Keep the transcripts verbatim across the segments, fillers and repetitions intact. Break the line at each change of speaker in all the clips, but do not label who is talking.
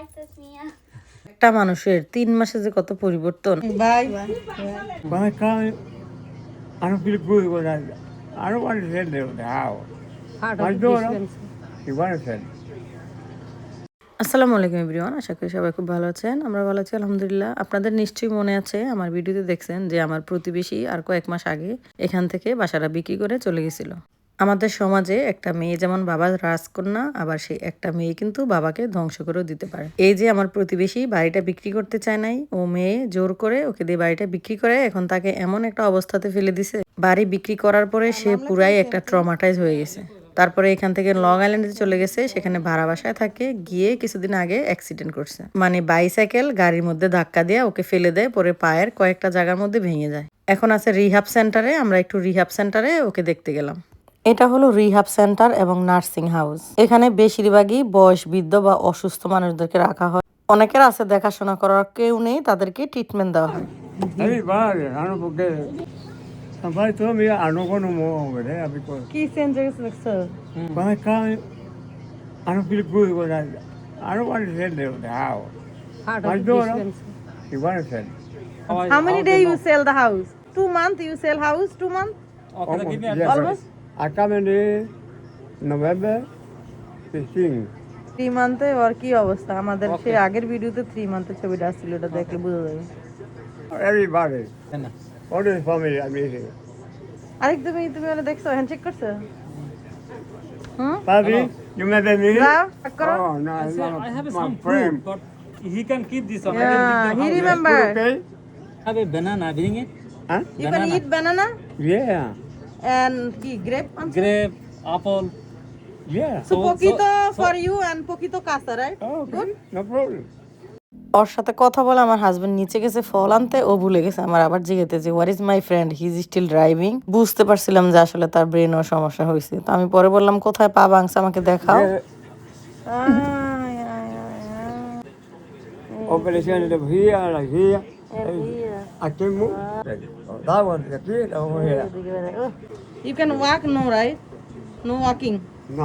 একটা মানুষের তিন মাসে যে কত পরিবর্তন।
Bye.
When I come, I don't feel good when I, I don't want to send them to the house. My daughter, she wants to send.
আসসালামু আলাইকুম এভরিওয়ান, আশা করি সবাই খুব ভালো আছেন। আমরা ভালো আছি আলহামদুলিল্লাহ। আপনাদের নিশ্চয়ই মনে আছে, আমার ভিডিওতে দেখছেন যে আমার প্রতিবেশী আর কয়েক মাস আগে এখান থেকে বাসাটা বিক্রি করে চলে গেছিল। আমাদের সমাজে একটা মেয়ে যেমন বাবার রাজকন্যা, আবার সেই একটা মেয়ে কিন্তু বাবাকে ধ্বংস করেও দিতে পারে। এই যে আমার প্রতিবেশী বাড়িটা বিক্রি করতে চায় নাই, ও মেয়ে জোর করে ওকে দিয়ে বাড়িটা বিক্রি করে এখন তাকে এমন একটা অবস্থাতে ফেলে দিছে, বাড়ি বিক্রি করার পরে সে পুরাই একটা ট্রমাটাইজ হয়ে গেছে। তারপরে এখান থেকে লং আইল্যান্ডে চলে গেছে, সেখানে ভাড়া বাসায় থাকে। গিয়ে কিছুদিন আগে অ্যাক্সিডেন্ট করছে, মানে বাইসাইকেল গাড়ির মধ্যে ধাক্কা দিয়ে ওকে ফেলে দেয়, পরে পায়ের কয়েকটা জায়গার মধ্যে ভেঙে যায়। এখন আছে রিহাব সেন্টারে। আমরা একটু রিহাব সেন্টারে ওকে দেখতে গেলাম। এটা হলো রিহাব সেন্টার এবং নার্সিং হাউস। এখানে বেশিরভাগই বয়স বৃদ্ধ বা অসুস্থ মানুষদেরকে রাখা হয়। অনেকের আছে দেখাশোনা করার কেউ নেই, তাদেরকে ট্রিটমেন্ট দেওয়া হয়।
Everybody, I don't forget it. Somebody told me I don't go no more over there because
Key changes sir.
when I come, I don't feel good when I, I don't want to send them to the house. My daughter, she wants to send.
How many days you sell the house? Two months you sell house? Two months?
Almost, yes,
Almost?
I come in the November fifteenth.
Three মান্থে ওর কি অবস্থা? আমাদের সেই আগের ভিডিওতে three মান্থের ছবিটা আসছিল, ওটা দেখলে বোঝা যাবে।
Everybody, all this family I'm meeting.
আরেক তুমি তুমি ওটা দেখছো, হ্যান্ডশেক করছো? হুম?
Papi, you met me?
যাও, check করো।
Oh, no,
I
it's
say,
not
I have
my
some
friend.
food, but he can keep this one. I
Yeah,
can
he
keep the house.
remember.
Okay?
Have a banana, bring it.
Huh?
You can eat banana
Yeah,
and কি grape also?
Grape, apple.
yeah.
So
So-
poquito
so-
for you and poquito casa, right?
Oh, okay, no problem.
ওর সাথে কথা বলে আমার husband নিচে গেছে ফল আনতে, ও ভুলে গেছে আমার আবার জিজ্ঞেতে যে where is my friend, he is still driving. বুঝতে পারছিলাম যে আসলে তার ব্রেনও সমস্যা হয়েছে। তো আমি পরে বললাম কোথায় পা ভাঙছে আমাকে দেখাও।
Yeah,
Ah, yeah, yeah, yeah.
operation is here, like here.
And here.
I can move. Oh, that one, the kid over here.
Oh, you can walk, no, right? No walking.
No.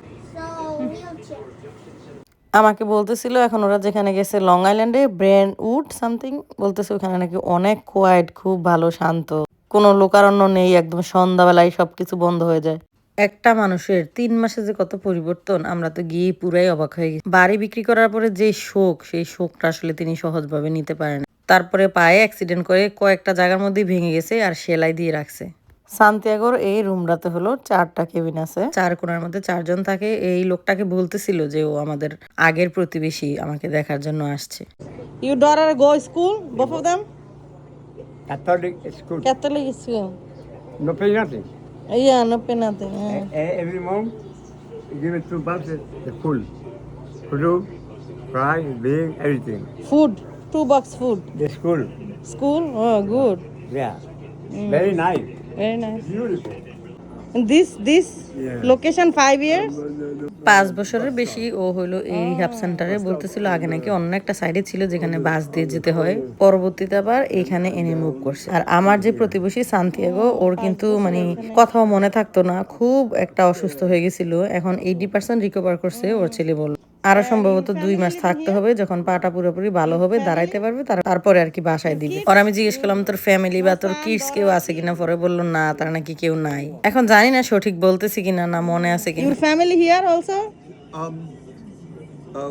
আমাকে বলতেছিল এখন ওরা যেখানে গেছে long আইল্যান্ডে brain would something, বলতেছে ওখানে নাকি অনেক কোয়াইট, খুব ভালো শান্ত, কোনো লোকারণ্য নেই, একদম সন্ধ্যাবেলায় সবকিছু বন্ধ হয়ে যায়। একটা মানুষের তিন মাসে যে কত পরিবর্তন, আমরা তো গিয়ে পুরাই অবাক হয়ে গেছি। বাড়ি বিক্রি করার পরে যে শোক, সেই শোকটা আসলে তিনি সহজভাবে নিতে পারেন। তারপরে পায়ে অ্যাক্সিডেন্ট করে কয়েকটা জায়গার মধ্যেই ভেঙে গেছে আর সেলাই দিয়ে রাখছে। সান্তিয়াগোর এই রুমটাতে হলো চারটা কেবিন আছে, চার কোণার মধ্যে চারজন থাকে। এই লোকটাকে বলতেছিল যে ও আমাদের আগের প্রতিবেশী, আমাকে দেখার জন্য আসছে।
You daughter go school, both of them?
Catholic school.
Catholic school.
No pay nothing.
Yeah, no pay nothing. Yeah.
E- Every month, you give it two bucks, the full. Food, fry, bean, everything.
Food, two bucks food.
The school.
School, oh good,
Yeah. Very nice.
very nice.
Beautiful.
And this this
Yeah.
location five years.
পাঁচ বছরের বেশি ও হলো এই রিহাব সেন্টারে। বলতেছিল আগে নাকি অন্য একটা সাইডে ছিল যেখানে বাস দিয়ে যেতে হয়, পরবর্তীতে আবার এখানে এনে মুভ করছে। আর আমার যে প্রতিবেশী সান্তিয়াগো, ওর কিন্তু মানে কথাও মনে থাকতো না, খুব একটা অসুস্থ হয়ে গেছিল। এখন এইটি পার্সেন্ট রিকভার করছে ওর ছেলে বলল। আরো সম্ভবত দুই মাস থাকতে হবে, যখন পাটা পুরোপুরি ভালো হবে, দাঁড়াইতে পারবে, তারপরে আর কি বাসায় দিবে। আর আমি জিজ্ঞেস করলাম তোর ফ্যামিলি বা তোর কিডস কেউ আছে কিনা, পরে বললো না, তার নাকি কেউ নাই। এখন জানি না সঠিক বলতেছি কিনা, না মনে আছে কিনা।
Your family here also?
Um, uh,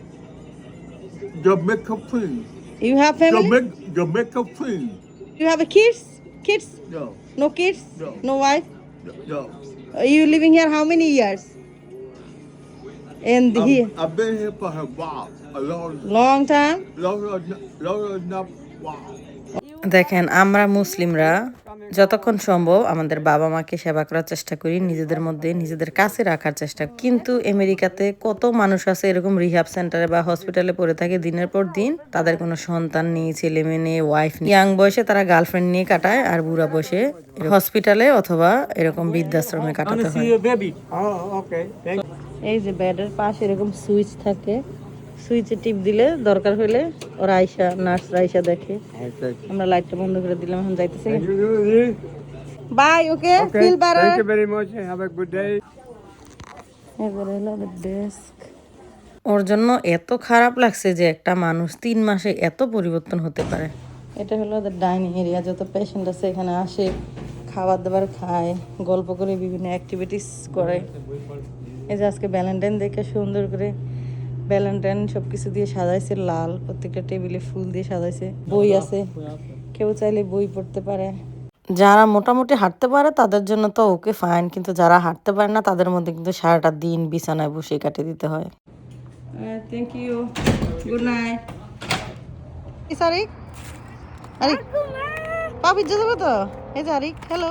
Jamaica Queen.
You have family?
Jamaica, Jamaica Queen.
You have a kids? Kids?
No,
No kids?
No.
No wife?
no, no.
Uh, You living here how many years? And
Um,
here,
I've been here for a while, a long,
long time.
longer, enough- longer enough while.
দেখেন, আমরা মুসলিমরা যতক্ষণ সম্ভব আমাদের বাবা মাকে সেবা করার চেষ্টা করি, নিজেদের মধ্যে নিজেদের কাছে রাখার চেষ্টা করি। কিন্তু আমেরিকাতে কত মানুষ আছে এরকম রিহাব সেন্টারে বা হসপিটালে পড়ে থাকে দিনের পর দিন, তাদের কোনো সন্তান নেই, ছেলে মেয়ে নেই, ওয়াইফ নেই। ইয়াং বয়সে তারা গার্লফ্রেন্ড নিয়ে কাটায়, আর বুড়া বয়সে হসপিটালে অথবা এরকম বৃদ্ধাশ্রমে কাটাতে
Wanna
হয়।
see your baby?
Oh, okay. Thank you.
এই যে বেডের পাশে এরকম সুইচ থাকে, সুইচে টিপ দিলে দরকার হলে ওরা আইসা, নার্স আইসা দেখে।
Okay.
আমরা লাইটটা বন্ধ করে দিলাম, এখন যাইতেছে।
Thank you, Julie.
Bye, okay,
Okay.
Feel better.
Thank you very much. Have a good day.
এবারে হলো ডেস্ক।
ওর জন্য এত খারাপ লাগছে যে একটা মানুষ তিন মাসে এত পরিবর্তন হতে পারে।
এটা হলো ওদের ডাইনিং এরিয়া, যত পেশেন্ট আছে এখানে আসে, খাবার দাবার খায়, গল্প করে, বিভিন্ন অ্যাক্টিভিটিস করে। এই যে আজকে ভ্যালেন্টাইন দেখে সুন্দর করে ভ্যালেন্টাইন সব কিছু দিয়ে সাজাইছে, লাল প্রত্যেকটা টেবিলে ফুল দিয়ে সাজাইছে। বই আছে, কেউ চাইলে বই পড়তে পারে।
যারা মোটামুটি হাঁটতে পারে তাদের জন্য তো ওকে ফাইন, কিন্তু যারা হাঁটতে পারে না তাদের মধ্যে কিন্তু সারাটা দিন বিছানায় বসে কাটিয়ে দিতে হয়।
Thank you, good night. Arik, Arik পাপি যাবে তো? এই যে আরিক, হ্যালো।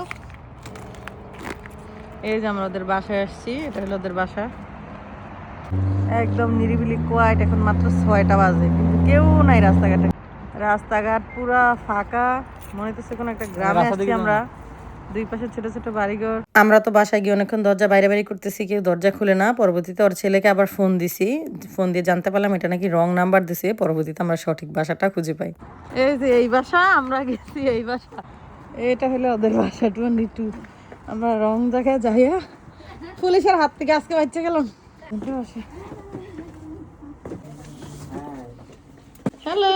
এই যে আমরা ওদের বাসায় আসছি, এটা হলো ওদের বাসা। একদম নিরিবিলি কোয়াইট, এখন মাত্র ছয়টা বাজে, কিন্তু কেউ নাই রাস্তাঘাটে। রাস্তাঘাট পুরা ফাঁকা, মনে হচ্ছে কোনো একটা গ্রামে আসছি আমরা। দুই পাশে ছোট ছোট বাড়িঘর।
আমরা তো বাসায় গিয়ে অনেকক্ষণ দরজা বাইরে বাইরে করতেছি, কেউ দরজা খুলে না। পরবর্তীতে ওর ছেলেকে আবার ফোন দিছি, ফোন দিয়ে জানতে পারলাম এটা নাকি রং নাম্বার দিছে। পরবর্তীতে আমরা সঠিক বাসাটা খুঁজে পাই।
এই যে এই বাসা, আমরা গেছি এই বাসা। এটা হলো ওদের বাসা টোয়েন্টি টু। আমরা রং জায়গায় যাইয়া পুলিশের হাত থেকে আজকে বাচ্চা গেলাম। Hello,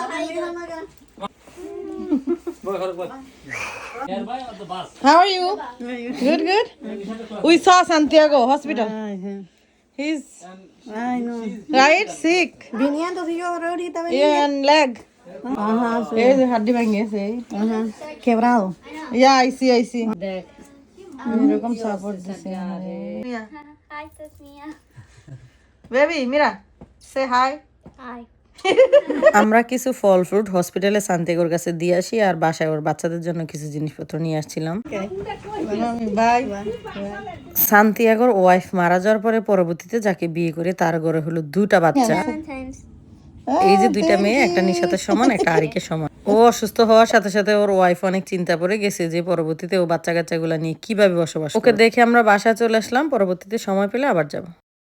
Nearby or the bus?
how are you? Good, good. We saw Santiago hospital. He's
Ay, no.
right sick.
Viniendo si yo ahorita venía.
Yeah, and leg.
Ajá, sí.
এই যে হাড্ডি ভেঙে গেছে।
Ajá. Quebrado.
Yeah, I see, I see. এরকম support দিছে।
Hi, Tasmia.
Baby Mira, say hi.
Hi.
আমরা কিছু ফল fruit হসপিটালে সান্তিয়াগোর কাছে দিয়ে আসি, আর বাসায় ওর বাচ্চাদের জন্য কিছু জিনিসপত্র নিয়ে আসছিলাম।
বাই।
সান্তিয়াগোর ওয়াইফ মারা যাওয়ার পরে পরবর্তীতে যাকে বিয়ে করে তার ঘরে হলো দুটা বাচ্চা।
Sometimes.
এই যে দুইটা মেয়ে, একটা নিশাতের সমান, একটা আরিকের সমান। ও অসুস্থ হওয়ার সাথে সাথে ওর ওয়াইফ অনেক চিন্তা পড়ে গেছে যে পরবর্তীতে ও বাচ্চা কাচ্চাগুলা নিয়ে কিভাবে বসবাস। ওকে দেখে আমরা বাসায় চলে আসলাম, পরবর্তীতে সময় পেলে আবার যাব।